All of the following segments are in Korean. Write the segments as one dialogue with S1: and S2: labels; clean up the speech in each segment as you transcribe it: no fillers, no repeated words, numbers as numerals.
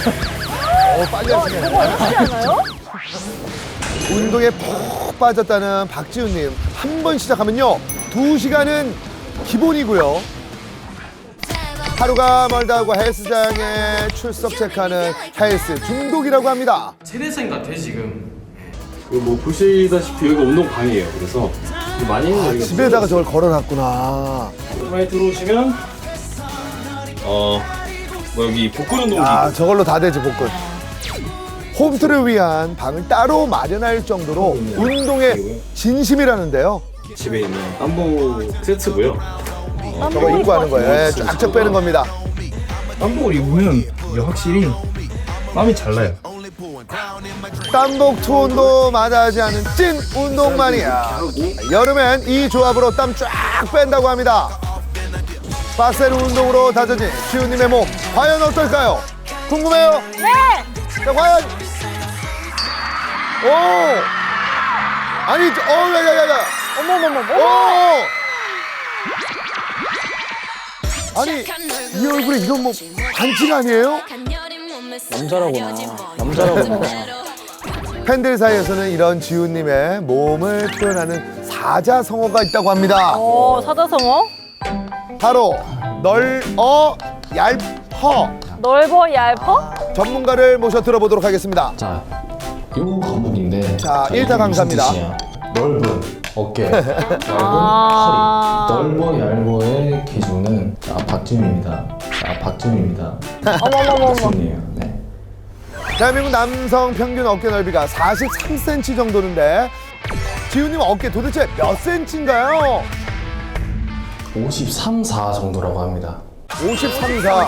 S1: 빨리 하시네.
S2: 저거 어렵지 않아요?
S1: 운동에 푹 빠졌다는 박지훈님. 한 번 시작하면요. 2시간은 기본이고요. 하루가 멀다고 헬스장에 출석 체크하는 헬스 중독이라고 합니다.
S3: 세대생 같아 지금.
S4: 뭐 보시다시피 여기가 운동방이에요. 그래서 많이 있는 여기가
S1: 집에다가 저걸 걸어놨구나.
S4: 많이 들어오시면 뭐 여기 복근 운동기
S1: 아, 저걸로 다 되지, 복근. 홈트를 위한 방을 따로 마련할 정도로 운동에 진심이라는데요.
S4: 집에 있는 땀복 세트고요.
S1: 저거 입고 하는 거예요. 예, 쫙쫙 빼는 겁니다.
S5: 땀복을 입으면 이게 확실히 땀이 잘 나요.
S1: 땀복 투혼도 마다하지 않은 찐 운동 마니아. 여름엔 이 조합으로 땀 쫙 뺀다고 합니다. 빡센 운동으로 다져진 지훈님의 몸 과연 어떨까요? 궁금해요?
S2: 네!
S1: 자, 과연 오 아니 야야야야
S2: 어머머머.
S1: 오 아니 이 얼굴에 이런 뭐 반칙 아니에요?
S3: 남자라구나. 남자라구나.
S1: 팬들 사이에서는 이런 지훈님의 몸을 표현하는 사자성어가 있다고 합니다.
S2: 사자성어?
S1: 바로 널어 얄퍼.
S2: 넓어 얇어?
S1: 전문가를 모셔 들어보도록 하겠습니다.
S6: 자, 요 과목인데.
S1: 자, 일타 강사입니다.
S6: 무슨 뜻이냐? 넓은 어깨, 얇은
S2: 아.
S6: 허리. 넓어 얇어의 기준은 박지훈입니다. 박지훈입니다.
S2: 어머머머머.
S6: 박지훈이에요. 네.
S1: 대한민국 남성 평균 어깨 넓이가 43cm 정도인데 지훈님 어깨 도대체 몇 cm인가요?
S6: 53, 4 정도라고 합니다.
S1: 53, 4.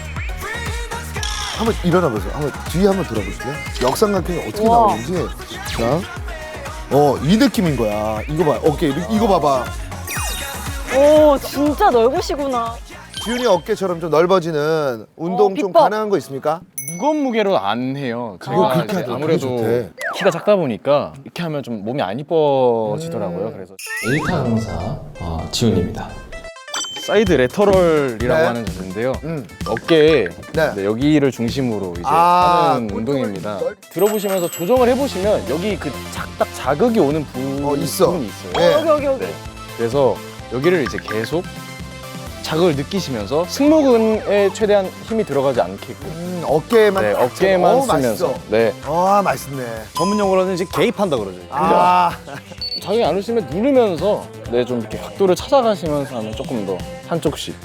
S1: 한번 일어나 보세요. 한번 뒤에 한번 돌아보실래요? 역삼각형이 어떻게
S2: 우와.
S1: 나오는지. 자, 이 느낌인 거야. 이거 봐, 어깨 이거 봐봐.
S2: 오, 진짜 넓으시구나.
S1: 지훈이 어깨처럼 좀 넓어지는 운동 좀
S2: 비법.
S1: 가능한 거 있습니까?
S3: 무거운 무게로 안 해요. 제가
S1: 그렇게
S3: 이제
S1: 하더라고요.
S3: 아무래도
S1: 그게 좋대.
S3: 키가 작다 보니까 이렇게 하면 좀 몸이 안 이뻐지더라고요. 그래서
S6: 일타 강사 지훈입니다.
S3: 사이드 레터럴이라고
S1: 네.
S3: 하는 자세인데요.
S1: 음.
S3: 어깨에
S1: 네.
S3: 네, 여기를 중심으로 이제
S1: 아,
S3: 하는 운동입니다.
S1: 넓-
S3: 들어보시면서 조정을 해보시면 여기 그 딱 자극이 오는
S1: 있어.
S3: 부분이 있어요.
S1: 네.
S2: 여기.
S3: 네. 그래서 여기를 이제 계속 자극을 느끼시면서 승모근에 최대한 힘이 들어가지 않게끔
S1: 어깨에만
S3: 네,
S1: 딱
S3: 어깨에만
S1: 어우,
S3: 쓰면서
S1: 맛있어.
S3: 네.
S1: 맛있네.
S3: 전문 용어로는 이제 개입한다 그러죠.
S1: 아,
S3: 자극이 안 오시면 누르면서 네, 좀 이렇게 각도를 찾아가시면서 하면 조금 더 한쪽씩.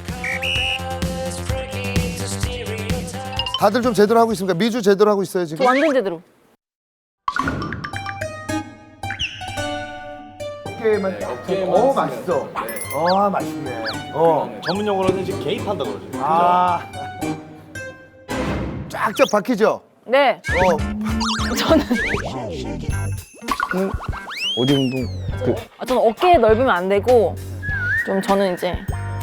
S1: 다들 좀 제대로 하고 있습니까? 미주 제대로 하고 있어요
S2: 저
S1: 지금?
S2: 완전 제대로.
S1: 어깨에만 맛있어. 맛있네.
S3: 전문 용어로는 이제 개입한다 그러죠.
S1: 쫙쫙 박히죠?
S2: 네. 저는
S3: 어디 운동?
S2: 저는 어깨 넓으면 안 되고 저는 이제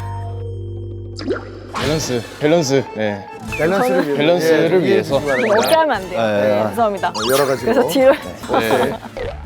S3: 밸런스. 네.
S1: 밸런스를 위해서.
S3: 밸런스를
S1: 이해해
S3: 위해서.
S1: 주시기 바랍니다.
S2: 어깨 하면 안 돼요. 네, 죄송합니다.
S1: 여러 가지로.
S2: 그래서 뒤로
S3: 네.